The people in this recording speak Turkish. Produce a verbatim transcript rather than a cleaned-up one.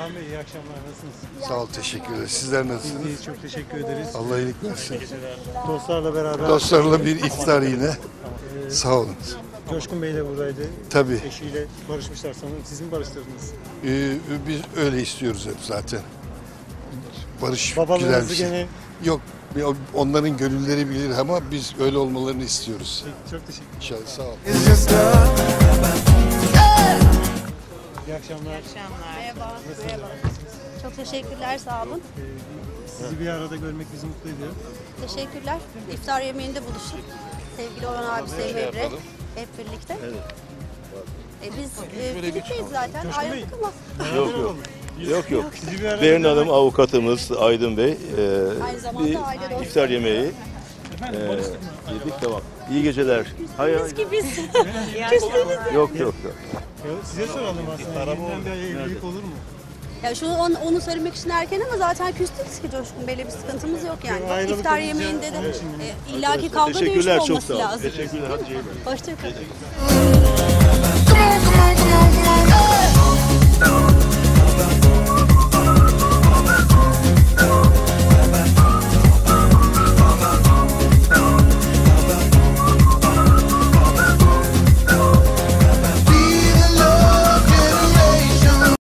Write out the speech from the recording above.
Kaan Bey iyi akşamlar, nasılsınız? Sağ ol, teşekkür ederiz. Sizler nasılsınız? İyiyiz, çok teşekkür ederiz. Allah iyilik versin. Dostlarla beraber. Dostlarla bir iftar yine. Ee, Sağ olun. Coşkun Bey de buradaydı. Tabii. Eşiyle barışmışlar sanırım. Siz mi barıştırdınız? Ee, biz öyle istiyoruz hep zaten. Barış güzel Babalarınızı bir şey. gene... Yok, onların gönülleri bilir ama biz öyle olmalarını istiyoruz. Çok teşekkür ederim. İnşallah, sağ ol. İyi akşamlar. İyi akşamlar. Merhaba. Merhaba. Çok teşekkürler, sağ olun. Ee, sizi bir arada görmek bizi mutlu ediyor. Teşekkürler. İftar yemeğinde buluştuk. Sevgili Orhan abi, Sayın Emre. Hep birlikte. Evet. E biz e, birlikteyiz zaten. Coşkun Bey. Ayrıldık ama. Yok yok. Yok yok. Sizi bir arada Berin görmek- Hanım avukatımız Aydın Bey. E, Aynı zamanda bir aile dostu. iftar yemeği Efendim, e, barıştık mı? yedik, tamam. İyi geceler. Hayır, hayır. Gibiyiz. Yok yok yok. Ya, size soralım aslında. Yeniden bir evlilik olur mu? Ya şunu onu, onu söylemek için erken ama zaten küstük ki Coşkun Bey'le bir sıkıntımız yok yani. Yok, ayrılık İftar olunca yemeğinde de onun için mi? e, illaki kavga dövüş Teşekkürler, çok olması sağ olun. lazım. Teşekkürler. Hadi iyi bak. Hoşçakalın.